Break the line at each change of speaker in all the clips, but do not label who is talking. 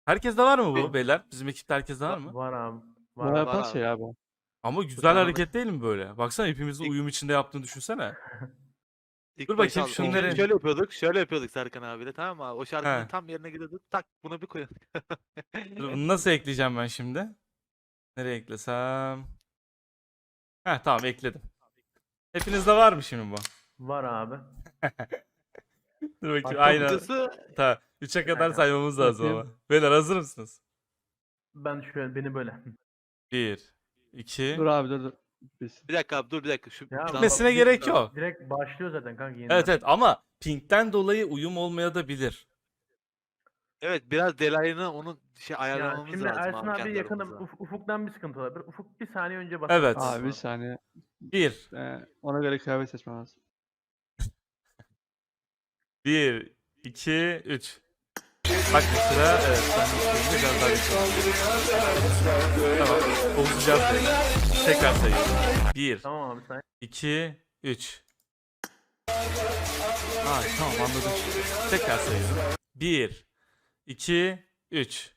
Herkeste var mı bu
Benim-
beyler? Bizim ekipte herkeste var mı?
Var abi.
Bu
Var abi.
yapan
var abi.
şey abi.
Ama güzel
tane
hareket değil mi böyle? Baksana hepimizin
İlk-
uyum içinde yaptığını düşünsene.
İlk
Dur
başta
bakayım şunları-
şöyle yapıyorduk Serkan abiyle, tamam mı abi? O şarkının
He.
tam yerine gidiyorduk. Tak buna bir koyalım.
Dur, bunu nasıl ekleyeceğim ben şimdi? Nereye eklesem? Heh, tamam ekledim. Hepinizde var mı şimdi bu?
Var abi.
Dur bakayım
Bak,
aynen.
Kısı
Tamam. 3'e kadar
Aynen.
saymamız lazım
Bakayım.
ama. Beyler hazır mısınız?
Ben şöyle beni böyle.
1, 2.
Dur abi dur. Biz.
bir dakika abi, dur bir dakika.
Ya
Bitmesine
bak,
gerek yok.
Direkt başlıyor zaten kanka yeniden.
Evet ama pinkten dolayı uyum olmayabilir.
Evet, biraz delayını onun
Ya
ayarlamamız
şimdi
lazım
Ersin
abi
abi
kendi
yakın
aramızda.
ufuktan bir sıkıntı olabilir. Ufuk bir saniye önce basar.
Evet.
Abi bir saniye.
1,
Ona göre kıyafet seçmem lazım.
1, 2, 3. Bak mesela evet ben de biraz daha geçelim. Tamam. Bozacağız böyle. Tekrar sayıyorum. 1,
Tamam abi sen.
2, 3. Ha tamam anladım. Tekrar sayıyorum. 1, 2, 3.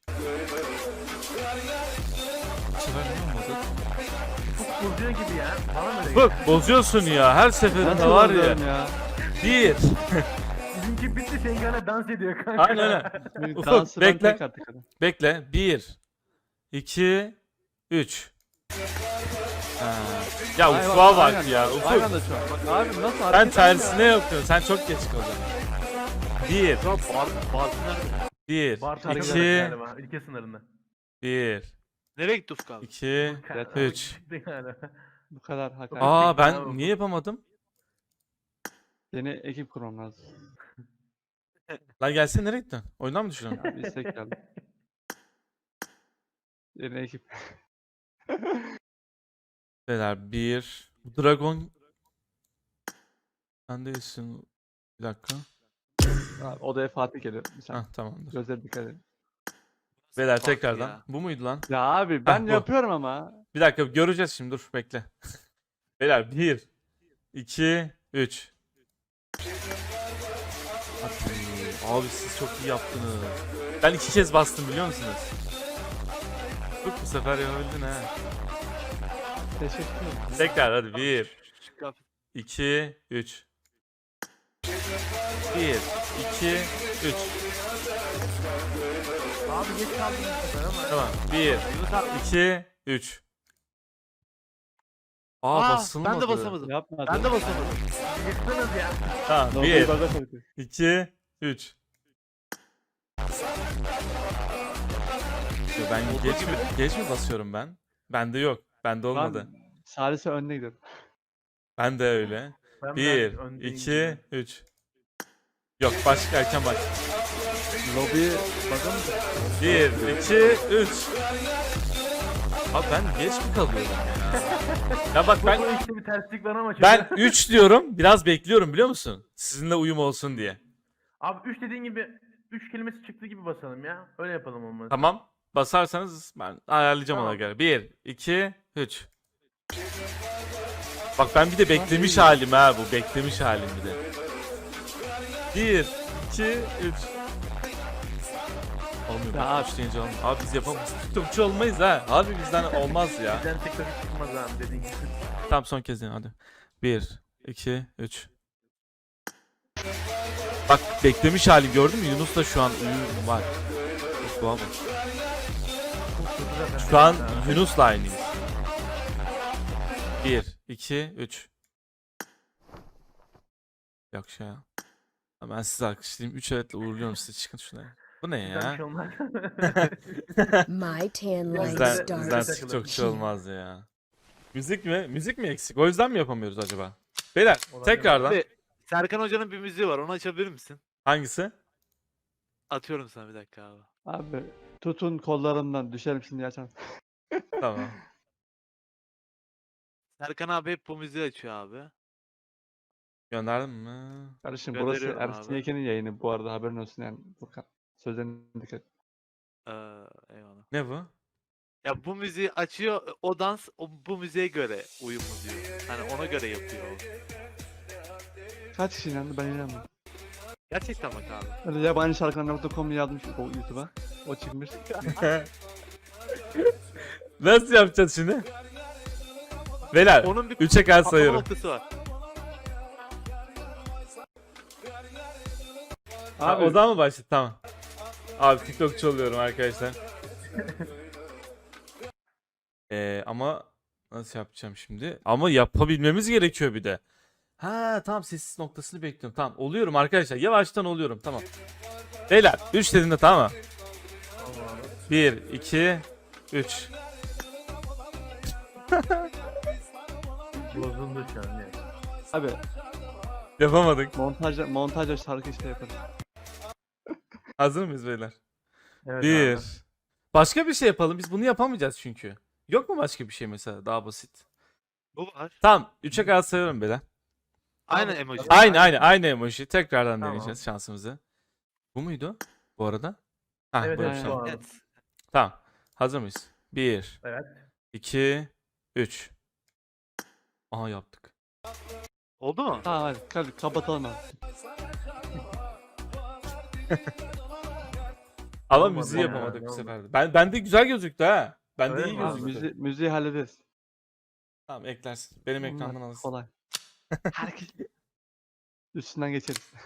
Bu sefer ne olmadı?
Ufuk bozuyor gibi ya. Bana mı öyle
Bak
geliyor?
bozuyorsun ya her seferinde
Nasıl
var ya.
bozuyorum ya?
1.
Bizimki bitti senin gene dans ediyor kanka.
Aynen öyle.
Bir
Ufuk,
dansı ben
bekle.
tek attık adam.
Bekle. 1, 2, 3. Ya
Aynen,
Ufuk'a bak
aynen.
ya.
Aynı
Ufuk.
anda şu an. Bak abi nasıl
Sen
hareket
tersine yapıyorsun. Sen çok geç kaldın. 1,
Ya Bartın nerede?
1,
Bartu
2,
galiba ülke sınırında.
1,
Nereye gitti Ufuk abi?
2. Üç.
Çıktı galiba.
Bu kadar hakaret.
Aa
Ufuk.
ben niye yapamadım?
Yeni ekip kurmam lazım.
Lan gelsene nereye gittin? Oyundan mı düştün?
Abi istek geldi. Yeni ekip.
Beyler 1. Bu Dragon. Sen değilsin. Bir dakika.
Abi, odaya Fatih geliyor. Bir saniye.
Hah tamamdır.
Gözleri dikkat edin.
Beyler
Farklı
tekrardan.
ya.
Bu muydu lan?
Ya abi ben
bu.
yapıyorum ama.
Bir dakika göreceğiz şimdi dur bekle. Beyler 1, 2, 3. Abi siz çok iyi yaptınız. Ben 2 kez bastım biliyor musunuz? Bak bu sefer yapabildin ha.
Teşekkür ederim.
Tekrar hadi 1,
Şu kıyafet-
2, 3. 1, 2, 3.
Abi geç kaldım bu sefer ama.
Tamam. 1, 2, 3. Aa
Aa,
basılmadı.
ben de basamadım.
Yapma.
Ben de basamadım.
Yıktınız ya.
Tamam.
Doğru
1,
baga koydu.
2, 3. Ben geç mi basıyorum ben? Bende yok. Bende olmadı.
Ben Salise önüne gidiyorum.
Ben de öyle.
Ben
1,
biraz öndeyim
2,
gibi.
3. Yok başka erken bak.
Lobi baga mı?
1, 2, 3. Abi ben geç mi kalıyorum ya? Ya bak
Bu
ben
işte bir terslik var ama.
ben 3 diyorum. Biraz bekliyorum biliyor musun? Sizinle uyum olsun diye.
Abi 3 dediğin gibi 3 kelimesi çıktı gibi basalım ya. Öyle yapalım olmadı.
Tamam. Basarsanız ben ayarlayacağım ona
Tamam.
göre. 1, 2, 3. Bak ben bir de beklemiş halim ha bu. Beklemiş halim bir de. 1, 2, 3. Olmuyor.
Ya
Bak, 3 deyince olmuyor. Abi biz yapamayız. TikTokçu olmayız ha. Abi bizden olmaz ya.
Bizden TikTok çıkmaz abi dediğin gibi.
Tamam son kez deneyin hadi. 1, 2, 3. Bak beklemiş hali gördün mü? Yunus da şu an uyum var. Uf, baba. Şu an Yunus'la aynıyız. 1, 2, 3. Yok şey ya. Ben sizi alkışlayayım. 3 evetle uğurluyorum sizi. Çıkın şuna. Bu ne
Bizden bir
ya?
şey olmaz.
My tan line
Bizden
starts.
TikTokçu olmaz ya. Müzik mi? Müzik mi eksik? O yüzden mi yapamıyoruz acaba? Beyler
Olabilir.
tekrardan.
Abi, Serkan Hoca'nın bir müziği var. Onu açabilir misin?
Hangisi?
Atıyorum sana bir dakika abi.
Abi tutun kollarımdan düşerim şimdi açar.
Tamam.
Serkan abi hep bu müziği açıyor abi.
Gönderdim mi?
Kardeşim burası
Gönderiyorum
Ersin
abi.
Yeken'in yayını bu arada haberin olsun yani. Furkan. Sözlerine dikkat et.
Eyvallah.
Ne bu?
Ya bu müziği açıyor, o dans bu müziğe göre uyumlu diyor. Hani ona göre yapıyor o.
Kaç kişi inandı ben inanmıyorum.
Gerçekten bak abi.
Öyle yabancı şarkılar.com yazmış o YouTube'a. O çıkmış.
Nasıl yapacağız şimdi? Beyler
Onun bir
3'e kadar
patlama
sayıyorum.
noktası var.
Abi, o zaman mı başladı? Tamam. Abi TikTokçu oluyorum arkadaşlar. Ama nasıl yapacağım şimdi? Ama yapabilmemiz gerekiyor bir de. Ha tamam, sessiz noktasını bekliyorum. Tamam, oluyorum arkadaşlar. Yavaştan oluyorum. Tamam. Beyler 3 dediğinde tamam mı? 1, 2, 3.
Bozuldu şu an yani.
Abi
Yapamadık.
montajla şarkı işte yaparız.
Hazır mıyız beyler?
Evet
1.
abi.
Başka bir şey yapalım. Biz bunu yapamayacağız çünkü. Yok mu başka bir şey mesela daha basit?
Bu var.
Tamam, 3'e kadar sayıyorum beyler.
Aynı emoji.
Aynı emoji. Tekrardan
Tamam.
deneyeceğiz şansımızı. Bu muydu bu arada? Ha,
Evet,
buymuş,
evet,
tamam.
bu abi.
Evet.
Tamam. Hazır mıyız? 1,
Evet.
2, 3. Aha, yaptık.
Oldu mu?
Tamam hadi kapatalım abi.
Ama
Olmadı
müziği
ya,
yapamadık
ne
bu
oldu?
sefer de. Bende güzel gözüktü ha. Bende
Öyle
iyi
mi abi?
gözüktü.
Müziği hallederiz.
Tamam, eklersin. Benim ekrandan alırsın.
Kolay. Herkes üstünden geçeriz.